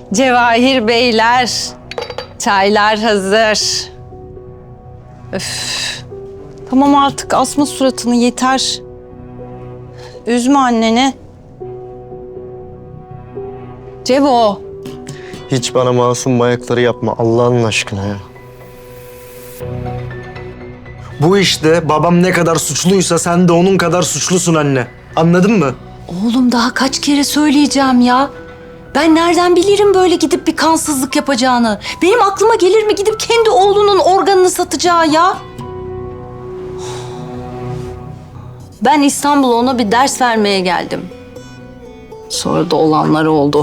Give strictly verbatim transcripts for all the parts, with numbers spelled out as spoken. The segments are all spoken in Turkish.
Cevahir beyler, çaylar hazır. Öf. Tamam artık asma suratını yeter. Üzme anneni. Cevo. Hiç bana masum bayakları yapma Allah'ın aşkına ya. Bu işte babam ne kadar suçluysa sen de onun kadar suçlusun anne. Anladın mı? Oğlum daha kaç kere söyleyeceğim ya. Ben nereden bilirim böyle gidip bir kansızlık yapacağını? Benim aklıma gelir mi gidip kendi oğlunun organını satacağı ya? Ben İstanbul'a ona bir ders vermeye geldim. Sonra da olanlar oldu.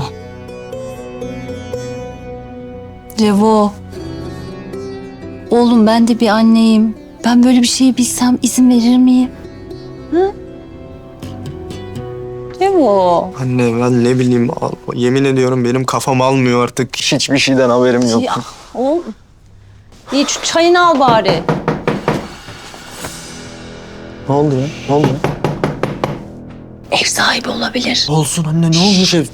Cevo. Oğlum ben de bir anneyim. Ben böyle bir şeyi bilsem izin verir miyim? Hı? Cevo. Anne ben ne bileyim yemin ediyorum benim kafam almıyor artık. Hiçbir şeyden haberim yok. Ya oğlum. İyi şu çayını al bari. Ne oldu ya? Ne oldu? Ev sahibi olabilir. Olsun anne ne olmuş ev?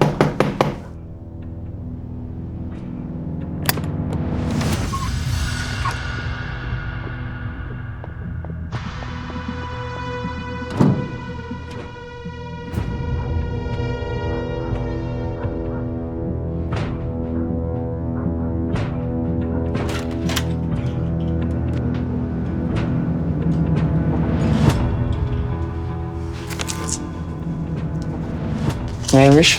Neymiş?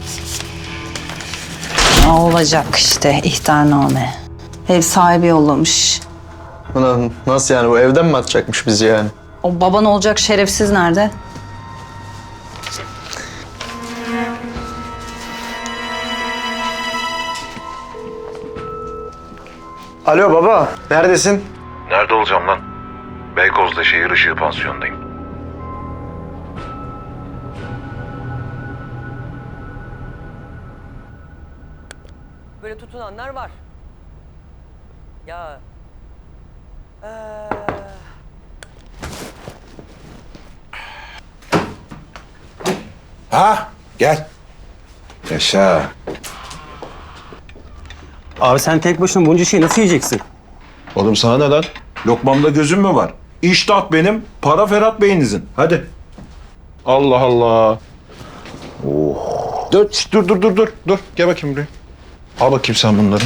Ne olacak işte ihtarname. Ev sahibi yollamış. Ulan nasıl yani bu evden mi atacakmış bizi yani? O baban olacak şerefsiz nerede? Alo baba neredesin? Nerede olacağım lan? Beykoz'da şehir ışığı pansiyondayım. Böyle tutunanlar var. Ya. Ee... Ha, gel. Yaşa. Abi sen tek başına bunca şeyi nasıl yiyeceksin? Oğlum sana ne lan? Lokmamda gözüm mü var? İştah benim, para Ferhat Bey'inizin. Hadi. Allah Allah. Oh. Dur, şişt, dur, dur, dur, dur, dur. Gel bakayım buraya. Al bakayım sen bunları.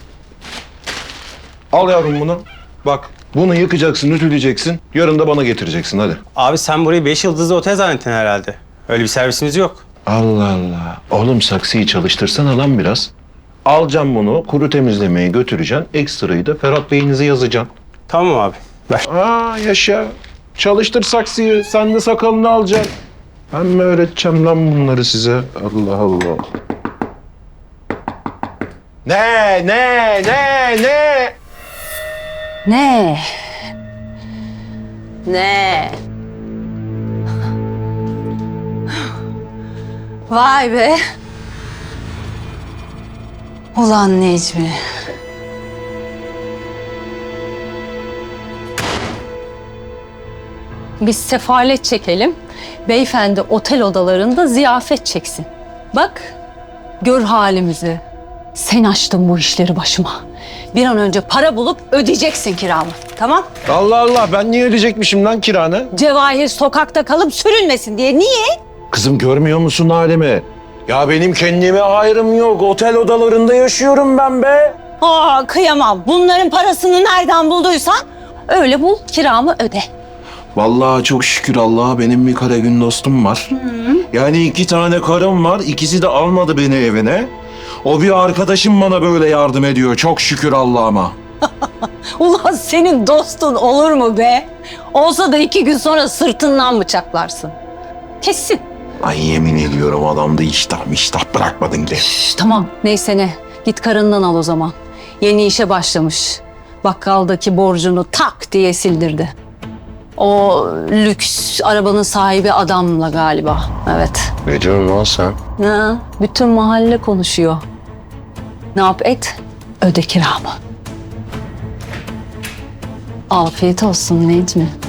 Al yavrum bunu. Bak, bunu yıkacaksın, ütüleyeceksin. Yarın da bana getireceksin, hadi. Abi sen burayı beş yıldızlı otel zannettin herhalde. Öyle bir servisimiz yok. Allah Allah. Oğlum saksıyı çalıştırsana lan biraz. Alacağım bunu, kuru temizlemeye götüreceksin. Ekstrayı da Ferhat Bey'inize yazacaksın. Tamam abi. Ver. Aa yaşa. Çalıştır saksıyı. Sen de sakalını alacaksın. Ben mi öğreteceğim lan bunları size? Allah Allah. Ne, ne, ne, ne? Ne? Ne? Vay be. Ulan Necmi. Biz sefalet çekelim. Beyefendi otel odalarında ziyafet çeksin. Bak, gör halimizi. Sen açtın bu işleri başıma. Bir an önce para bulup ödeyeceksin kiramı. Tamam? Allah Allah. Ben niye ödeyecekmişim lan kiranı? Cevahir sokakta kalıp sürünmesin diye. Niye? Kızım görmüyor musun halimi? Ya benim kendime ayrım yok. Otel odalarında yaşıyorum ben be. Aa kıyamam. Bunların parasını nereden bulduysan öyle bul, kiramı öde. Vallahi çok şükür Allah'a benim bir kara gün dostum var. Yani iki tane karım var. İkisi de almadı beni evine. O bir arkadaşım bana böyle yardım ediyor. Çok şükür Allah'ıma. Ulan senin dostun olur mu be? Olsa da iki gün sonra sırtından bıçaklarsın. Kesin. Ay yemin ediyorum adamda iştah miştah bırakmadın ki. Şş, tamam neyse ne. Git karından al o zaman. Yeni işe başlamış. Bakkaldaki borcunu tak diye sildirdi. O lüks arabanın sahibi adamla galiba. Evet. Ne diyorsun lan sen? Ha, bütün mahalle konuşuyor. Ne yap et? Öde kiramı. Afiyet olsun Necmi.